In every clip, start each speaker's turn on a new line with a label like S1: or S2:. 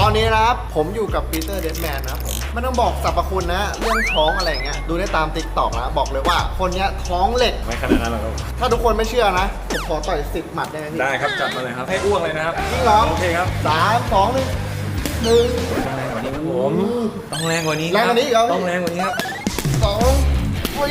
S1: อนนี้นะครับผมอยู่กับปีเตอร์เดดแมนนะครับผมไม่ต้องบอกสรรพคุณนะเรื่องท้องอะไรเงี้ยดูได้ตามติ๊กต็อกนะบอกเลยว่าคนเนี้ยท้องเหล็ก
S2: ไม่ขนาดนั้นหรอกครับ
S1: ถ้าทุกคนไม่เชื่อนะผมขอต่อย10 หมัดได้ไหมพี่
S2: ได้ครับจัดมาเลยครับให้อ้วกเลยนะครับ
S1: จริงเหรอ
S2: โอเคครับ
S1: 3 2 1
S2: ผมต้องแรงกว่านี้
S1: แรงกว่านี้อีกเหรอ
S2: ต้องแรงกว่านี้ครับ
S1: 2 3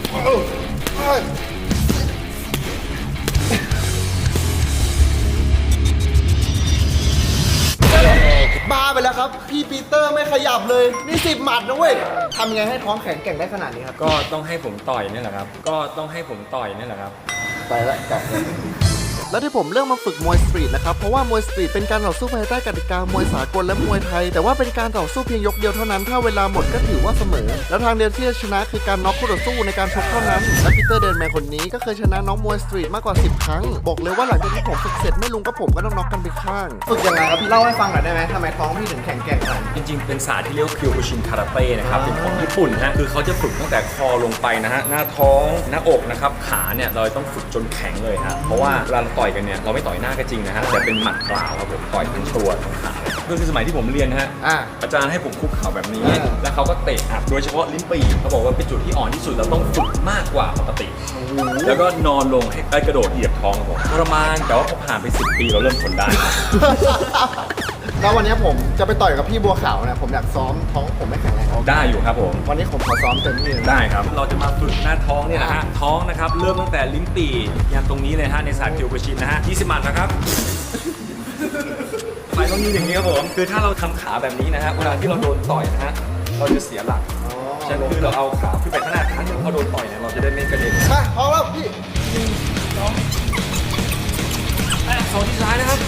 S1: บ้าไปแล้วครับพี่ปีเตอร์ไม่ขยับเลยนี่10 หมัดนะเว้ยทำยังไงให้ท้องแข็งแกร่งได้ขนาดนี้ครับ
S2: ก็ต้องให้ผมต่อยนี่แหละครับก็ต้องให้ผมต่อยนี่แหละครับ
S1: ไปแล้วกลับแล้วที่ผมเลือกมาฝึกมวยสตรีทนะครับเพราะว่ามวยสตรีทเป็นการต่อสู้ภายใต้กติกามวยสากลและมวยไทยแต่ว่าเป็นการต่อสู้เพียงยกเดียวเท่านั้นถ้าเวลาหมดก็ถือว่าเสมอแล้วทางเดียวที่จะชนะคือการน็อกคู่ต่อสู้ในการชกเท่านั้นและปีเตอร์เดนแมนคนนี้ก็เคยชนะน้องมวยสตรีทมากกว่า10 ครั้งบอกเลยว่าหลังจากที่ผมฝึกเสร็จไม่ลุงกับผมก็ต้องน็อกกันไปข้างฝึกยังไงครับพี่เล่าให้ฟังหน่อยได้ไหมทำไมท้องพี่ถึงแข็งแกร่งขนาดนี้
S2: จริงๆเป็นศาสตร์ที่เรียกว่าคิวโคชินคาราเต้นะครับเป็นของญี่ปุ่นฮะคือเขาจะฝึกตั้งแต่คอลงไปนะฮะหน้าท้องหน้าอกนะครับขาเนี่ยเราต้องฝึกจนแข็งเลยฮะเพราะว่าเวลาเราต่อยกันเนี่ยเราไม่ต่อยหน้าก็จริงนะฮะแต่เป็นหมัดเปล่าครับผมต่อยทั้งตัวทั้งขาคือสมัยที่ผมเรียนนะฮะอาจารย์ให้ผมคุกเข่าแบบนี้แล้วเขาก็เตะอัดโดยเฉพาะลิ้นปี่เขาบอกว่าเป็นจุดที่อ่อนที่สุดเราต้องฝึกมากกว่าปกติแล้วก็นอนลงให้กระโดดเหยียบท้องครับผมทรมานแต่ว่าพอผ่านไป10 ปีเราเริ่มทนได้
S1: แล้ววันนี้ผมจะไปต่อยกับพี่บัวขาวนะผมอยากซ้อมท้องผมไม่แข็งแรง
S2: ได้อยู่ครับผม
S1: วันนี้ผมขอซ้อมเต็มที่
S2: ได้ครับเราจะมาฝึกหน้าท้องเนี่ยนะฮะท้องนะครับเริ่มตั้งแต่ลิ้นปี่ยันตรงนี้เลยฮะในศาสตร์คิวโคชินนะฮะ20 หมัดนะครับไปต้องมีอย่างนี้ครับผมคือถ้าเราทำขาแบบนี้นะฮะเวลาที่เราโดนต่อยนะฮะเราจะเสียหลักใช่ไหมคือเราเอาขาขึ้นไปข้างหน้าครั้งหนึ่งพอโดนต่อยเนี่ยเราจะได้ไม่กระเด็น
S1: มาพอแล้วพี่
S2: 2ที่ซ้ายนะครับ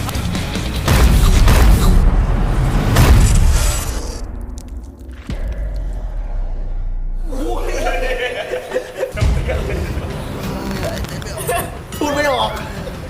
S1: พูดไม่ออก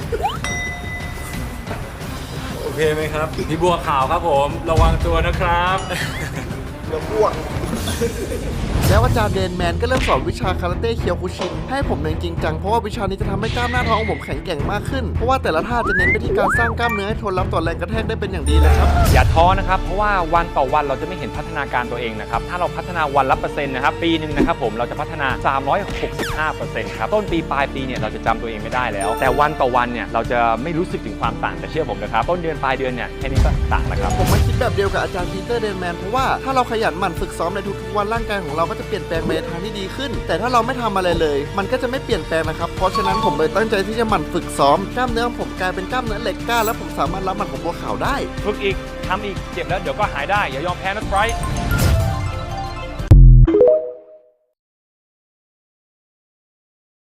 S2: โอเคไหมครับพี่บัวขาวครับผมระวังตัวนะครับ
S1: เดี๋ยวอ้วกแล้วอาจารย์เดนแมนก็เริ่มสอนวิชาคาราเต้เคียวคุชินให้ผมเรียนจริงจังเพราะว่าวิชานี้จะทำให้กล้ามหน้าท้องของผมแข็งแกร่งมากขึ้นเพราะว่าแต่ละท่าจะเน้นไปที่การสร้างกล้ามเนื้อให้ทนรับต่อแรงกระแทกได้เป็นอย่างดีเลยครับ
S3: อย่าท้อนะครับเพราะว่าวันต่อวันเราจะไม่เห็นพัฒนาการตัวเองนะครับถ้าเราพัฒนาวันละเปอร์เซ็นต์นะครับปีหนึ่งนะครับผมเราจะพัฒนา 365% ครับต้นปีปลายปีเนี่ยเราจะจำตัวเองไม่ได้แล้วแต่วันต่อวันเนี่ยเราจะไม่รู้สึกถึงความต่างแต่เชื่อผมนะครับต้นเดือนปลายเดือนเนี่ยแค่นี้ก็ต่างแล้วครับ
S1: ผมมาคิดแบบเดียวกับอาจารย์ปีเตอร์เดนแมนเพราะว่าถ้าเราขยันหมั่นฝึกซ้อมในทุกๆวันร่างกายของเราก็จะเปลี่ยนแปลงไปในทางที่ดีขึ้นแต่ถ้าเราไม่ทำอะไรเลยมันก็จะไม่เปลี่ยนแปลงนะครับเพราะฉะนั้นผมเลยตั้งใจที่จะหมั่นฝึกซ้อมกล้ามเนื้อของผมกลายเป็นกล้ามเนื้อเหล็กกล้าและผมสามารถรับหมัดของบัวขาวได้
S3: ฝึกอีกทำอีกเจ็บแล้วเดี๋ยวก็หายได้อย่ายอมแพ้นะไบรท์